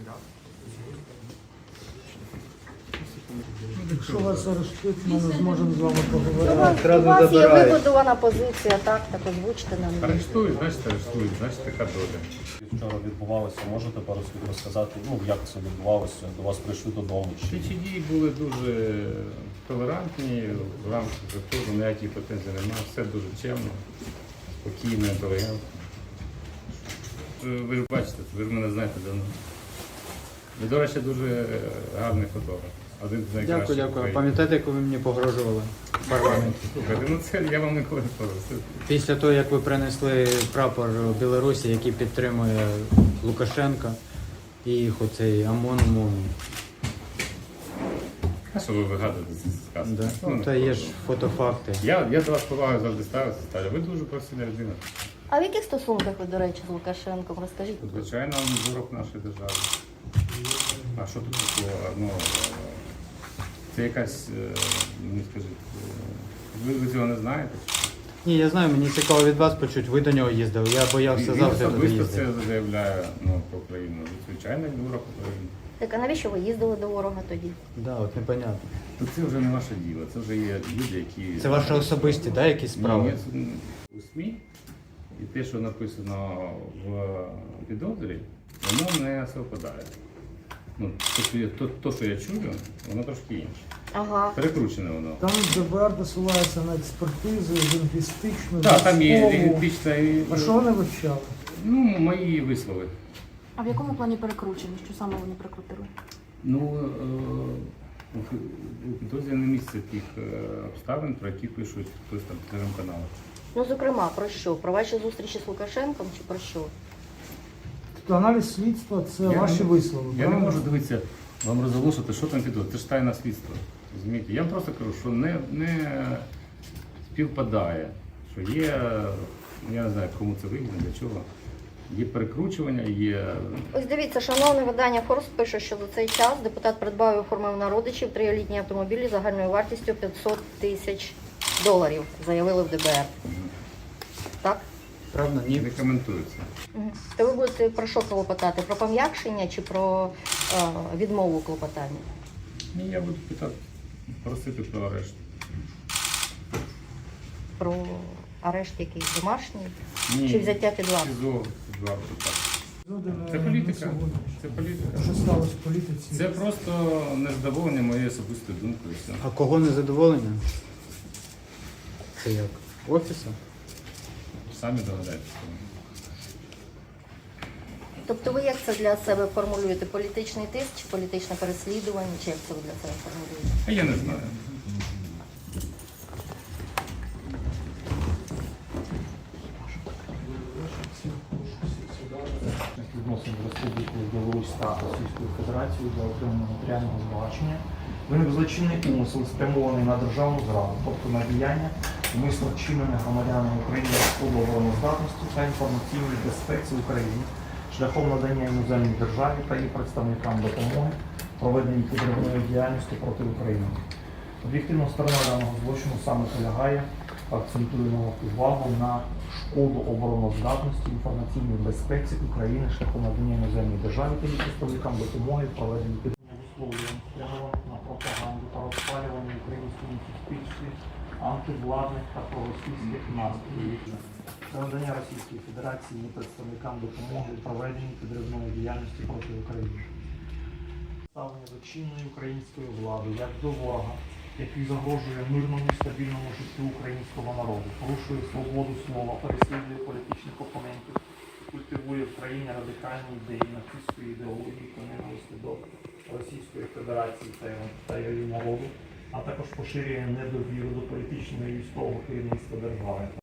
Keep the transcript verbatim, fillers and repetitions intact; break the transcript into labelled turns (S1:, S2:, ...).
S1: Якщо вас арештують, ми не зможемо з вами
S2: У
S1: поговорити.
S2: вас, у вас є вибудована позиція, так, так озвучте нам.
S3: Арештують, значить арештують, значить така доля.
S4: Вчора відбувалося, можете пару слів розказати, ну як це відбувалося, до вас прийшли додому? Чи...
S3: Слідчі дії були дуже толерантні, в рамках закону ніяких претензій немає, все дуже чемно, спокійно, інтелігентно. Ви ж бачите, ви ж мене знаєте давно. Ви, до речі, дуже гарний фотограф. Один з найкращих.
S5: Дякую, дякую.
S3: України.
S5: Пам'ятаєте, як ви мені погрожували в парламенті?
S3: Слухайте, ну це я вам ніколи не скажу.
S5: Після того, як ви принесли прапор Білорусі, який підтримує Лукашенка і їх оцей ОМОН умовний.
S3: А що ви вигадуєте ці сказки?
S5: Да.
S3: Ну,
S5: Ну, та є ж фотофакти.
S3: Я, я до вас повагою завжди ставився, Таля. Ви дуже професійна людина.
S2: А в яких стосунках ви, до речі, з Лукашенком? Розкажіть.
S3: Звичайно, він ворог нашої держави. А що тут такого? Ну, це якась, е, мені скажіть, е, ви, ви цього не знаєте?
S5: Ні, я знаю, мені цікаво від вас почути. Ви до нього їздили. Я боявся
S3: Він
S5: завтра туди
S3: особисто
S5: їздити.
S3: це заявляє ну, про Україну. Звичайно, він ворог України.
S2: Так, а навіщо ви їздили до ворога тоді?
S5: Да, от непонятно.
S3: То це вже не ваше діло, це вже є люди, які...
S5: Це ваші особисті, да, якісь справи?
S3: Ні, ні, у СМІ, і те, що написано в підозрі, воно не совпадає. Ну, то, що я, то, то, що я чую, воно трошки інше.
S2: Ага.
S3: Перекручене воно.
S1: Там ДБР посилається на експертизу, лінгвістичну,
S3: Так, там є
S1: військову.
S3: лінгвістична і...
S1: А що вони вивчали?
S3: Ну, мої вислови.
S6: А в якому плані перекручені? Що саме вони прикрутили?
S3: Ну, е, у- у підозрі не місце тих е, обставин, про які пишуть хтось там в телеграм-каналах.
S2: Ну, зокрема, про що? Про ваші зустрічі з Лукашенком чи про що?
S1: Тобто аналіз слідства – це
S3: Я
S1: ваші
S3: не-
S1: вислови,
S3: Я не
S1: правильно?
S3: можу дивитися, вам розголошувати, що там підозрює. Це ж тайне слідство. Розумієте? Я вам просто кажу, що не, не співпадає, що є, я не знаю, кому це вигідно, для чого. Є перекручування, є.
S2: Ось дивіться, шановне видання Форс пише, що за цей час депутат придбав і оформив на родичів трилітні автомобілі загальною вартістю п'ятсот тисяч доларів, заявили в ДБР. Так?
S5: Правда? Ні.
S3: Не коментується.
S2: Мгм. То ви будете про що клопотати? Про пом'якшення чи про е, відмову клопотання?
S3: Ні, я буду питати, просити про арешт.
S2: Про арешт якийсь домашній?
S3: Ні.
S2: Чи взяття під варту?
S3: СІЗО, під варту, так.
S1: Люди
S3: Це
S1: не-
S3: політика.
S1: не сьогодні.
S3: Це політика.
S1: Що сталося в політиці?
S3: Це просто незадоволення моєю особистою думкою. і все.
S5: А кого не задоволення? Це як? Офісу?
S3: Самі догадаєтеся.
S2: Тобто ви як це для себе формулюєте? Політичний тиск чи політичне переслідування? Чи як це ви для себе формулюєте?
S3: А я не знаю.
S7: Відносин з Республікою Білорусь та Російською Федерацією для отримання матеріального збагачення виник злочинний умисел, спрямований на державну зраду, тобто на діяння, умисно вчинене громадянами України шкоду обороноздатності та інформаційній безпеці України шляхом надання іноземній державі та її представникам допомоги проведенні підривної діяльності проти України. Об'єктивна сторона даного злочину саме полягає, акцентуємо увагу на шкоду обороноздатності, інформаційній безпеці України шляхом надання іноземній державі та її представникам допомоги в проведенні підривних висловлювань, спрямованих на пропаганду та розпалювання в українському суспільстві антивладних та проросійських настроїв. Це надання Російської Федерації її представникам допомоги в проведенні підривної діяльності проти України. Ставлення до чинної української влади як до ворога, який загрожує мирному і стабільному життю українського народу, порушує свободу слова, переслідує політичних опонентів, культивує в країні радикальні ідеї нацистської ідеології та ненависті до Російської Федерації та його- та її народу, а також поширює недовіру до політичного і військового керівництва держави.